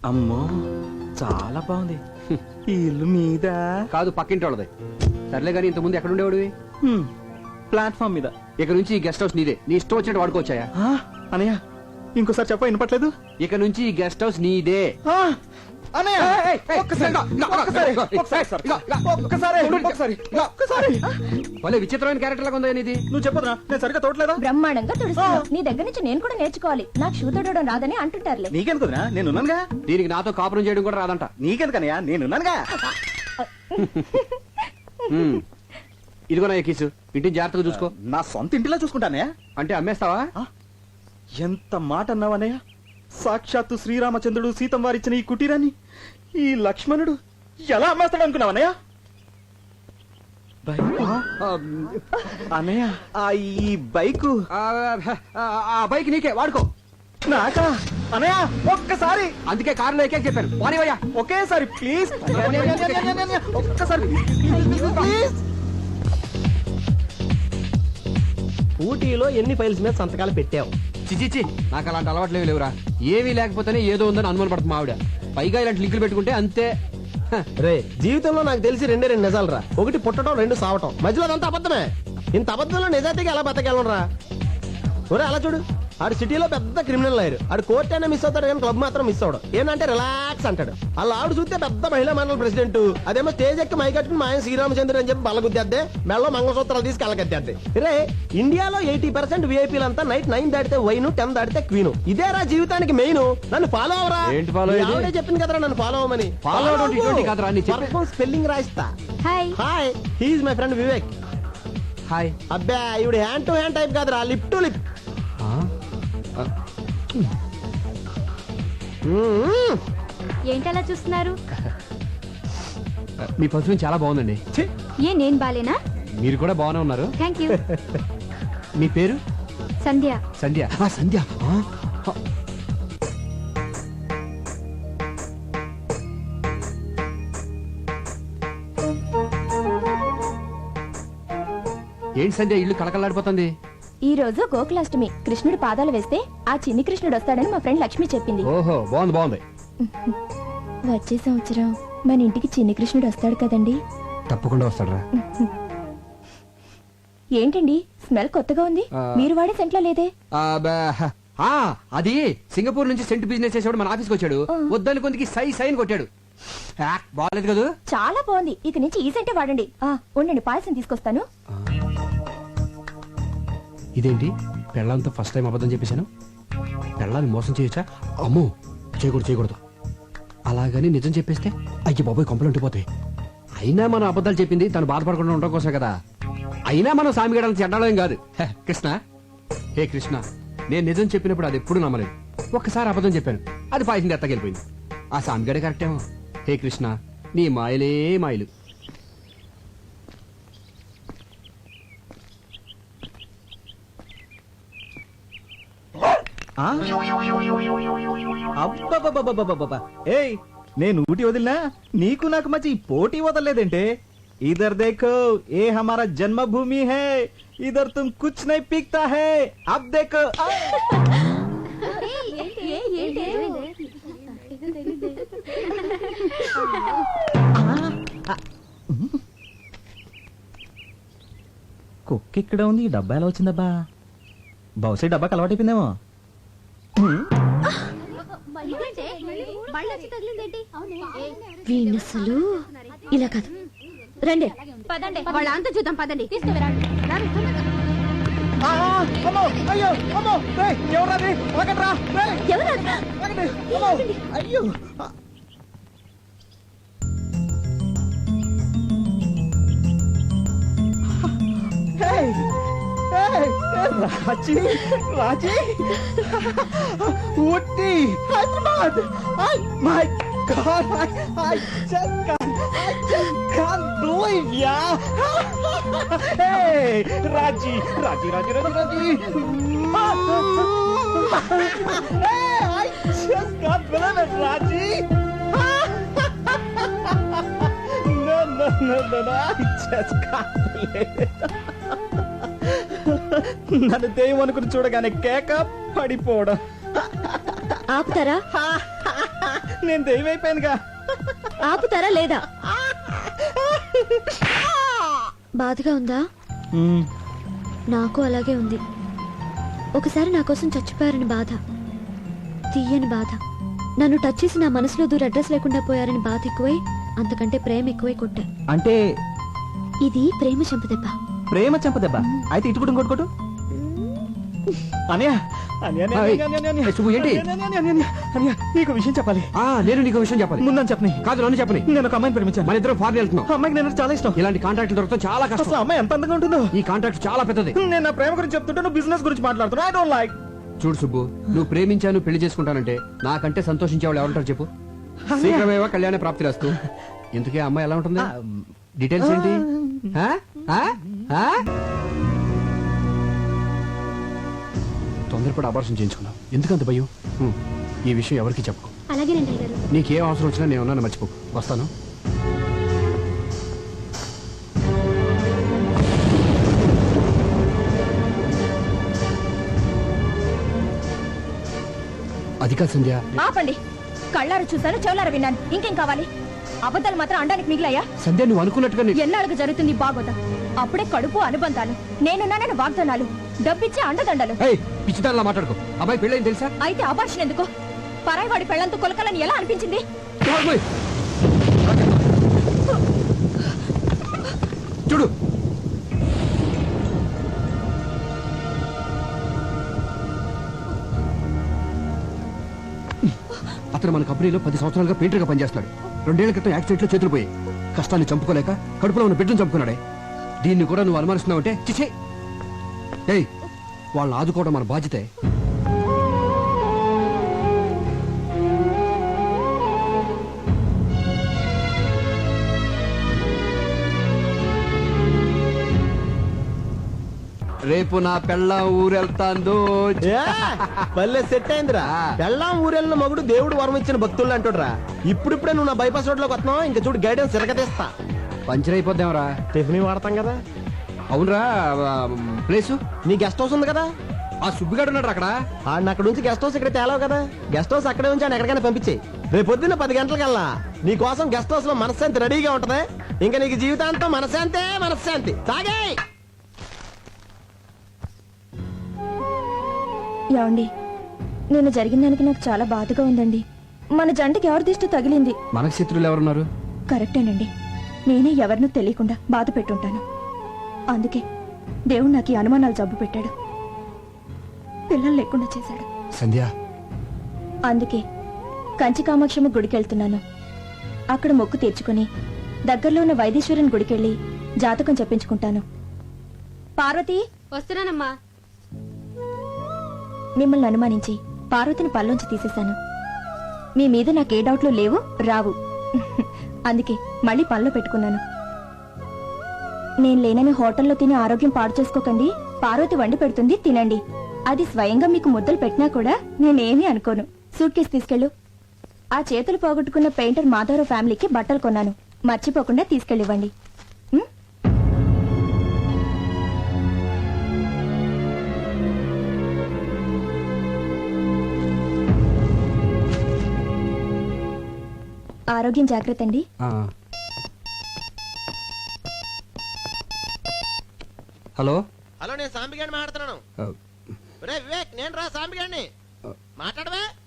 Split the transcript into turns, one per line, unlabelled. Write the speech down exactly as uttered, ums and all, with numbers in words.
అమ్మో చాలా బాగుంది. ఈ ఇల్లు మీద
కాదు, పక్కింటి వాళ్ళది. సర్లే గానీ ఇంతకుముందు ఎక్కడ ఉండేవాడివి?
ప్లాట్ఫామ్ మీద.
ఇక నుంచి ఈ గెస్ట్ హౌస్ నీదే, నీ ఇష్టం వచ్చినట్టు వాడుకోవచ్చాయా?
ఆ, అనయ్య ఇంకోసారి చెప్ప వినపట్లేదు.
ఇక నుంచి ఈ గెస్ట్ హౌస్ నీదే.
ఆ, అనయ్య ఒక్కసారి ఒక్కసారి ఒక్కసారి ఒక్కసారి ఒక్కసారి.
భలే విచిత్రమైన క్యారెక్టర్ లాగా ఉందా ఇది?
నువ్వు చెప్పదురా, నేను సరిగ్గా తోటలేదా?
బ్రహ్మాండంగా తుడుస్తావు. నీ దగ్గర నుంచి నేను కూడా నేర్చుకోవాలి. నాకు షూ తొడవడం రాదని అంటుంటారులే.
నీకెందుకురా, నేనున్నానుగా.
దీనికి నాతో కాపురం చేయడం కూడా రాదంట.
నీకెందుకనయ్యా, నేనున్నానుగా.
హ్మ్. ఇదిగో నా ఎక్కిసు, ఇంటిని జాగ్రత్తగా చూసుకో.
నా సొంత ఇంటిలో చూసుకుంటానయ్యా.
అంటే అమ్మేస్తావా?
ఎంత మాట అన్నావనయ్య. సాక్షాత్తు శ్రీరామచంద్రుడు సీతం వారిచ్చిన ఈ కుటీరాన్ని ఈ లక్ష్మణుడు ఎలా అమ్మేస్తాడు అనుకున్నావనయ్య? అన్నయ్య, ఆ ఈ బైకు
ఆ బైక్ నీకే, వాడుకో.
నాకా అనయ్య? ఒక్కసారి.
అందుకే కారులో ఎక్కే చెప్పాను. పోనీవయ్యా.
ఒకేసారి ప్లీజ్, ఒక్కసారి ప్లీజ్.
ఊటీలో ఎన్ని ఫైల్స్ మీద సంతకాలు పెట్టావు?
చిచిచి, నాకు అలాంటి అలవాట్లేవి లేవురా. ఏమీ లేకపోతేనే ఏదో ఉందని అనుమాన పడుతుంది ఆవిడ. పైగా ఇలాంటి లింకులు పెట్టుకుంటే అంతే.
రే, జీవితంలో నాకు తెలిసి రెండే రెండు నిజాలు రా. ఒకటి పుట్టడం, రెండు సావటం. మధ్యలో అదంతా అబద్ధమే. ఇంత అబద్ధంలో నిజాయితీగా ఎలా బతకెళ్ళరా? ఒరే అలా చూడు, ఆడు సిటీలో పెద్ద క్రిమినల్ లాయర్. ఆడు కోర్ట్ అయినా మిస్ అవుతాడు కానీ క్లబ్ మాత్రం మిస్ అవడు. ఏంటంటే రిలాక్స్ అంటాడు. అలా ఆవిడ చూస్తే పెద్ద మహిళా మండలి ప్రెసిడెంట్. అదేమో స్టేజ్ ఎక్కి మైకట్టుకుని మా ఆయన శ్రీరామచంద్ర అని చెప్పి బలగుద్దేద్దే, మెళ్ళో మంగళసూత్రాలు తీసుకు వెళ్ళగద్దేద్దే. రే, ఇండియాలో ఎయిటీ పర్సెంట్ విఐపీలంతా నైట్ నైన్ దాటితే వైన్, టెన్ దాటితే క్వీన్. ఇదేరా జీవితానికి మెయిన్. నన్ను ఫాలో అవరా.
ఏంటి ఫాలో?
ఆవిడే చెప్పింది కదరా నన్ను ఫాలో అవ్వమని.
ఫాలో కాదురా,
స్పెల్లింగ్ రాయిస్తా.
Hi
hi, he's my friend Vivek.
Hi.
అబ్బా, ఇవిడ హ్యాండ్ టు హ్యాండ్ టైప్ కాదురా, లిప్ టు లిప్.
ఏంటలా చూస్తున్నారు?
మీ పర్ఫ్యూమ్ చాలా బాగుందండి.
ఏ నేను బాలేనా?
మీరు కూడా బాగానే ఉన్నారు.
Thank you.
మీ పేరు?
సంధ్య.
సంధ్య. ఆ, సంధ్య. ఆ, ఆ. ఏంటి సంధ్య, ఇల్లు కళకళలాడిపోతుంది?
ఈ రోజు గోకులాష్టమి. కృష్ణుడు పాదాలు వేస్తే ఆ చిన్ని కృష్ణుడు వస్తాడని మా ఫ్రెండ్ లక్ష్మి చెప్పింది.
ఓహో, బాగుంది బాగుంది.
వచ్చే సంవత్సరం మన ఇంటికి చిన్ని కృష్ణుడు వస్తాడు కదండి?
తప్పకుండా వస్తాడు రా.
ఏంటండి స్మెల్ కొత్తగా ఉంది? మీరు వాడే సెంట్లో లేదే?
అది సింగపూర్ నుంచి సెంట్ బిజినెస్ చేసేవాడు మన ఆఫీస్కి వచ్చాడు. వద్దని కొందికి సై సైన్ కొట్టాడు. బాగాలేదు కదా?
చాలా బాగుంది. ఇక నుంచి ఈ సెంటే వాడండి. ఆ ఉండండి, పాయసం తీసుకొస్తాను.
ఇదేంటి, పెళ్ళంతో ఫస్ట్ టైం అబద్ధం చెప్పేశాను. పెళ్ళాన్ని మోసం చేయొచ్చా? అమ్మో, చేయకూడదు చేయకూడదు. అలాగని నిజం చెప్పేస్తే అయ్యి బాబోయ్ కొంపలు ఉండిపోతాయి. అయినా మనం అబద్ధాలు చెప్పింది తను బాధపడకుండా ఉండడం కోసం కదా. అయినా మనం సామిగడాలను చెడ్డాలేం కాదు. కృష్ణ, హే కృష్ణ, నేను నిజం చెప్పినప్పుడు అది ఎప్పుడు నమ్మలేదు. ఒక్కసారి అబద్ధం చెప్పాను, అది పాయసం ఎత్తకెళ్ళిపోయింది. ఆ సామిగడే కరెక్టేమో. హే కృష్ణ, నీ మాయలే మాయలు.
ఏయ్, నేను ఊటి వదిలినా నీకు నాకు మధ్య పోటీ వదలలేదేంటే? ఇధర్ దేఖో, ఏ హమారా జన్మభూమి హై. ఇధర్ తుమ్ కుచ్ నహీ పీక్తా హై. అబ్ దేఖో. కుక్క ఇక్కడ ఉంది, ఈ డబ్బా ఎలా వచ్చిందబ్బా? బహుశా డబ్బాకి అలవాటైపోయిందేమో.
వీణసలు ఇలా కాదు. రండి
వాళ్ళ అంతా చూద్దాం, పదండి.
అయ్యో, Raji Raji Ooty Hyderabad. My god, I just can't I just can't believe ya. Hey Raji Raji Raji Raji Raji. Hey, I just can't believe it Raji. No no no no no, I just can't believe it. నన్ను దెయ్యం అనుకుని చూడగానే కేక పడిపోవడం.
ఆపుతారా?
నేను దెయ్యమైపోయానుగా.
ఆపుతారా లేదా? బాధగా ఉందా?
మ్మ్.
నాకు అలాగే ఉంది. ఒకసారి నా కోసం చచ్చిపోయారని బాధ, తీయని బాధ. నన్ను టచ్ చేసి నా మనసులో దూర అడ్రస్ లేకుండా పోయారని బాధ ఎక్కువై, అంతకంటే ప్రేమ ఎక్కువై కొట్టా.
అంటే
ఇది ప్రేమ చంపదెబ్బ.
ప్రేమ చంపదెబ్బ. అయితే ఇటుకుడు కొట్టుకోటు అనియా. అనియా, అనియా,
ఏయ్,
అనియా, అనియా, అనియా.
ఏయ్, సుబ్బు, ఏంటి?
అనియా, అనియా, అనియా, అనియా, అనియా, నీకు విషయం చెప్పాలి.
ఆ నేను నీకు విషయం చెప్పాలి.
ముందని చెప్పని.
కాదు, నన్ను చెప్పని.
నేను ఒక అమ్మాయిని ప్రేమించాను.
మన ఇద్దరం ఫారెన్ వెళ్తున్నాం.
ఆ అమ్మాయికి నేను చాలా ఇష్టం.
ఇలాంటి కాంట్రాక్ట్లు దొరకడం చాలా
అసలు
కష్టం.
ఆ అమ్మాయి ఎంత అందంగా ఉంటుందో.
ఈ కాంట్రాక్ట్ చాలా పెద్దది.
నేను నా ప్రేమ గురించి చెప్తుంటే నువ్వు బిజినెస్ గురించి మాట్లాడుతున్నా. I don't like.
చూడు సుబ్బు, నువ్వు ప్రేమించాను పెళ్లి చేసుకుంటానంటే నాకంటే సంతోషించే వాళ్ళు ఎవరుంటారు చెప్పు? శీఘ్రమేవా కళ్యాణ ప్రాప్తి రాస్తూ. ఇంతకీ ఆ అమ్మాయి ఎలా ఉంటుంది? డీటెయిల్స్ ఏంటి? ఆ? ఆ? ఆ? తొందరపడి అబార్షన్ చేయించుకున్నావు. ఎందుకంత భయం? హ్మ్. ఈ విషయం ఎవరికి చెప్పకు.
అలాగేనండి గారు.
నీకేం అవసరం వచ్చినా నేను ఉన్నాను, మర్చిపోకు. వస్తాను. అది కాదు సంధ్య.
ఆపండి. కళ్ళారు చూశాను, చెవులారు విన్నాను. ఇంకేం కావాలి? అబద్ధాలు మాత్రం అండానికి మిగిలాయా?
సంధ్య, నువ్వు అనుకున్నట్టుగా నీ-
ఎన్నాళ్ళకు జరుగుతుంది బాగోదా? అప్పుడే కడుపు అనుబంధాలు, నేనున్నానని వాగ్దానాలు, డబ్బిచ్చే అండదండలు.
ఏయ్, పిచ్చిదానిలా మాట్లాడుకో. అబ్బాయి పెళ్ళైంది తెలుసా?
అయితే అబార్షన్ ఎందుకు? పరాయివాడి పెళ్లంతో కొలకలని ఎలా అనిపించింది?
నోర్మోయ్. చూడు, అతను మన కంపెనీలో పది సంవత్సరాలుగా పెయింటర్గా పనిచేస్తున్నాడు. రెండేళ్ల క్రితం యాక్సిడెంట్ లో చేతులు పోయి కష్టాన్ని చంపుకోలేక కడుపులో ఉన్న బిడ్డను చంపుకున్నాడే. దీన్ని కూడా నువ్వు అనుమానిస్తున్నావంటే చిచే. ఏయ్, వాళ్ళని ఆదుకోవడం మన బాధ్యతే. రేపు నా పెళ్ళ ఊరెళ్తాందో.
ఏ, భలే సెట్ అయిందిరా. పెళ్ళాం ఊరెళ్ళిన మగుడు దేవుడు వరం ఇచ్చిన భక్తులు అంటుడ్రా. ఇప్పుడిప్పుడే నువ్వు నా బైపాస్ రోడ్ లోకి వస్తున్నావు. ఇంకా చూడు గైడెన్స్ తిరగతీస్తా.
పంచర్ అయిపోద్దాంరా.
టిఫిన్ వాడతాం కదా.
అవునరా, ప్లేసు
నీ గెస్ట్ హౌస్ ఉంది కదా.
ఆ సుబ్బిగాడు ఉన్నాడు అక్కడ.
ఆడిని అక్కడ నుంచి గెస్ట్ హౌస్ ఇక్కడ తేలావు కదా. గెస్ట్ హౌస్ అక్కడే ఉంచి ఆయన ఎక్కడికైనా పంపించే. రేపు పొద్దున్న పది గంటలకల్లా నీ కోసం గెస్ట్ హౌస్ లో మనశ్శాంతి రెడీగా ఉంటది. ఇంకా నీకు జీవితాంతం మనశ్శాంతే మనశ్శాంతి. తాగే.
ఏమండి, నేను జరిగిన దానికి నాకు చాలా బాధగా ఉందండి. మన జంటకి ఎవరి దిష్టి తగిలింది?
మనకు శత్రువులు ఎవరున్నారు?
కరెక్టేనండి. నేనే ఎవరినూ తెలియకుండా బాధ పెట్టుంటాను. అందుకే దేవుడు నాకు ఈ అనుమానాలు జబ్బు పెట్టాడు, పిల్లలు లేకుండా చేశాడు.
సంధ్య,
అందుకే కంచి కామాక్షమ్మ గుడికెళ్తున్నాను. అక్కడ మొక్కు తీర్చుకుని దగ్గరలో ఉన్న వైదీశ్వరుని గుడికెళ్ళి జాతకం చెప్పించుకుంటాను. పార్వతి,
వస్తున్నానమ్మా.
మిమ్మల్ని అనుమానించి పార్వతిని పల్లోంచి తీసేశాను. మీ మీద నాకే డౌట్లు లేవు, రావు. అందుకే మళ్ళీ పనిలో పెట్టుకున్నాను. నేను లేనని హోటల్లో తిని ఆరోగ్యం పాడు చేసుకోకండి. పార్వతి వండి పెడుతుంది, తినండి. అది స్వయంగా మీకు ముద్దలు పెట్టినా కూడా నేనేమీ అనుకోను. సూట్ కేసు తీసుకెళ్ళు. ఆ చేతులు పోగొట్టుకున్న పెయింటర్ మాధవరావు ఫ్యామిలీకి బట్టలు కొన్నాను, మర్చిపోకుండా తీసుకెళ్ళివ్వండి. ఉం? ఆరోగ్యం జాగ్రత్త అండి.
ఆ. హలో.
హలో, నేను సాంబిగాడిని మాట్లాడుతున్నాను.
ఆ,
ఒరే వివేక్, నేను రా సాంబిగాడిని. మాట్లాడవే.